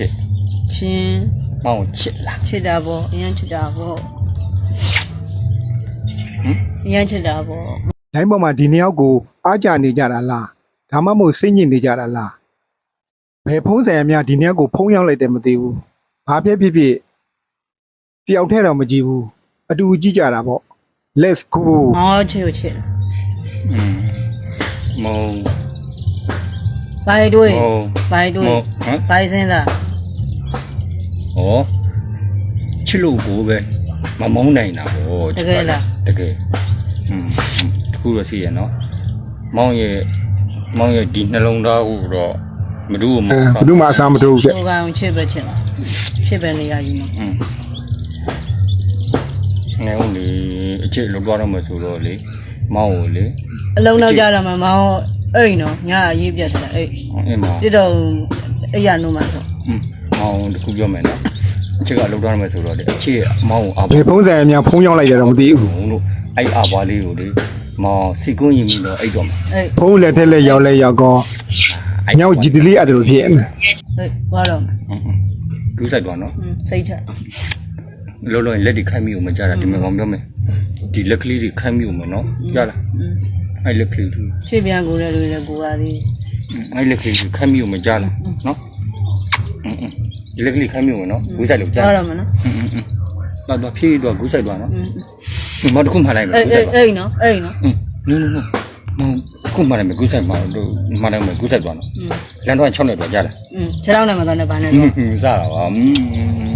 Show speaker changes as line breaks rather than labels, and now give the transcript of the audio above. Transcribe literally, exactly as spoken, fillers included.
切，
亲，
帮我切了。
吃点不？一样吃点不？
嗯，
一样吃点不？
လိုင်းပေါ်မှာဒီနှစ်ယောက်ကိုအားကြနေကြတာလားဒါမှမဟုတ်စိတ်ညစ်နေကြတာလားဘယ်ဖုံးဆိုင်အများဒီနှစ်ယောက်ကိုဖုံးရောက်လိုက်တယ်မသိဘူးဘာဖြစ်ဖြစ်ဖြစ်တယောက်ထဲတော့မကြည့်ဘူးအတူကြည့်ကြတာပေါ့ let's go
哦，吃就吃了。
嗯，冇
排队，
冇
排队
冇，，嗯，
排身的。
哦，吃萝卜呗，မမုန်းနိုင်တာပေါ့
တကယ်လား
တကယ်อืมတခုတော့ရှိရနော်မောင်ရဲ့မောင်ရဲ့ဒီနှလုံးသားကိုတော့မတူဘူးမ
အဲ
ဟုတ်
ဘယ်သူမှအစားမထိုးဘူးတဲ့
我刚吃不吃了，吃不那样子嘛。
อืมငယ်ဦးလေအချစ်လောက်သွားတော့မှဆိုတော့လေမောင်ကိုလေ
အလုံးတော့ကြတော့မှမောင်အိမ်နော်ညာရေးပြတ်တယ်အိမ်
အင်းမောင်
ပြတော့အဲ့ရနိုးမှဆို
อืมမောင်တခုပြောမယ်နော်အချစ်ကလောက်သွားတော့မှဆိုတော့လေအချစ်မောင်ကိုအာ
ဘယ်ဖုံးဆိုင်အများဖုံးရောက်လိုက်ကြတော့မသိဘူး
ဘုံတို့အဲ့အာဘွားလေးကိုလေမောင်စီကွန်းရင်ပြီးတော့အိတ်တော့မှာ
အဲ့
ဖုံးလက်ထက်လက်ရောက်လဲရောက်ကောညောင်ကြည်တလေးအဲ့ဒါလိုဖြစ်နေ
အဲ့ဘာလို့
อืมကူးဆိုင်သွားနော်
စိတ်ချ
လောလောလက်တွေခိုင်းမိအောင်မကြတာဒီမှာကောင်ပြောမယ်ဒီလက်ကလေးတွေခိုင်းမိအောင်မနော်ကြလားအဲ့လက်ကလေးတွေ
ချစ်ပြန်ကိုလည်းလူလည်းကိုပါသေး
အဲ့လက်ကလေးတွေခိုင်းမိအောင်မကြလားနော်อืมဒီလက်ကလေးခိုင်းမိအောင်နော်ကူးဆိုင်လို့ကြ
သွားတော့မနော်
อืมတော့တော့ဖြည့်တော့ကူးဆိုင်သွားနော်မတခုမှလိုက်မယ်
အဲ့
ကူးဆိုင်သွား
အဲ့နော်အဲ့နော်
อืมနော်နော်မောင်ခုမှလိုက်မယ်ကူးဆိုင်မှာတော့မှလိုက်မယ်ကူးဆိုင်သွားနော်လမ်းတော့၆နဲ့တော့ကြလား
อืมခြေထောက်နဲ့မသွားနဲ့ဘာနဲ့
อื
သွား
มစတာပါอืม